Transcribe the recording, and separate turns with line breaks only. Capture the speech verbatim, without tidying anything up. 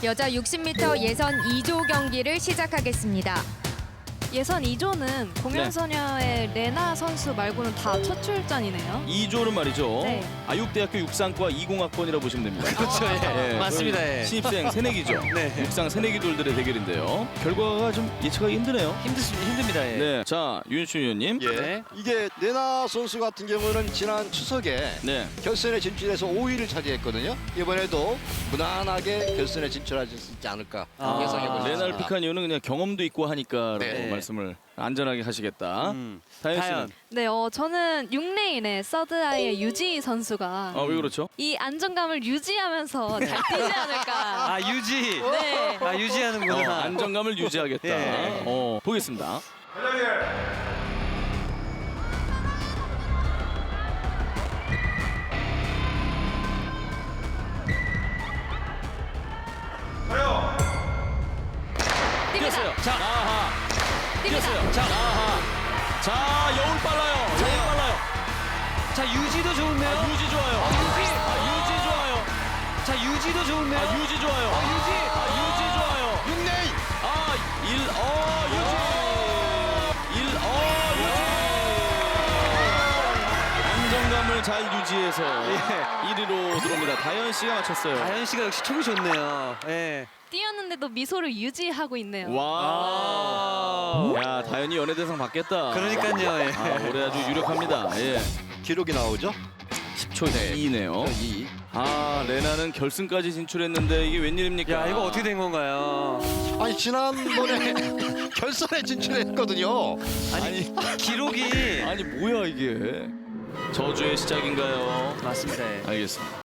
여자 육십 미터 예선 이 조 경기를 시작하겠습니다.
예선 이 조는 공연소녀의 레나 선수 말고는 다 첫 출전이네요.
이 조는 말이죠.
네.
아육대학교 육상과 이공학번이라고 보시면 됩니다.
그렇죠. 예.
예,
맞습니다.
거의
예.
신입생 새내기죠.
네.
육상 새내기돌들의 대결인데요. 결과가 좀 예측하기 힘드네요.
힘드십니다. 힘듭니다. 예.
네, 자 윤춘 위원님.
예.
네.
이게 레나 선수 같은 경우는 지난 추석에
네.
결선에 진출해서 오 위를 차지했거든요. 이번에도 무난하게 결선에 진출할 수 있지 않을까
아,
예상해 보겠습니다.
레나를 픽한 이유는 그냥 경험도 있고 하니까라고
네.
말씀을 안전하게 하시겠다.
음.
다현 씨는?
다현.
네, 어, 저는 육 레인의 서드아이의 유지 선수가
아, 왜 그렇죠?
이 안정감을 유지하면서 잘 뛰지 않을까.
아 유지.
네.
아 유지하는구나.
어, 안정감을 유지하겠다.
예.
어, 보겠습니다. 뛰었어요. 자, 아하. 뛰었어요. 자, 아하. 자, 여울 빨라요. 여울 빨라요.
자 유지도 좋은데요.
아, 유지 좋아요.
유지.
아, 유지 좋아요.
자 유지도 좋은데요.
아, 유지 좋아요. 아, 유지. 아, 유지 좋아요.
육 레인
아, 일, 어, 유지. 일, 어, 유지. 안정감을 잘 유지해서 일 위로 들어옵니다. 다현 씨가 맞췄어요.
다현 씨가 역시 촉이 좋네요. 예.
뛰었는데도 미소를 유지하고 있네요.
와.
아.
야, 다현이 연예대상 받겠다.
그러니까요. 예.
아, 올해 아주 유력합니다. 예.
기록이 나오죠.
십 초 이네요.
이.
아, 레나는 결승까지 진출했는데 이게 웬일입니까?
야 이거 어떻게 된 건가요?
아니 지난번에 결선에 진출했거든요.
아니, 기록이
아니 뭐야 이게? 저주의 시작인가요?
맞습니다. 예.
알겠습니다.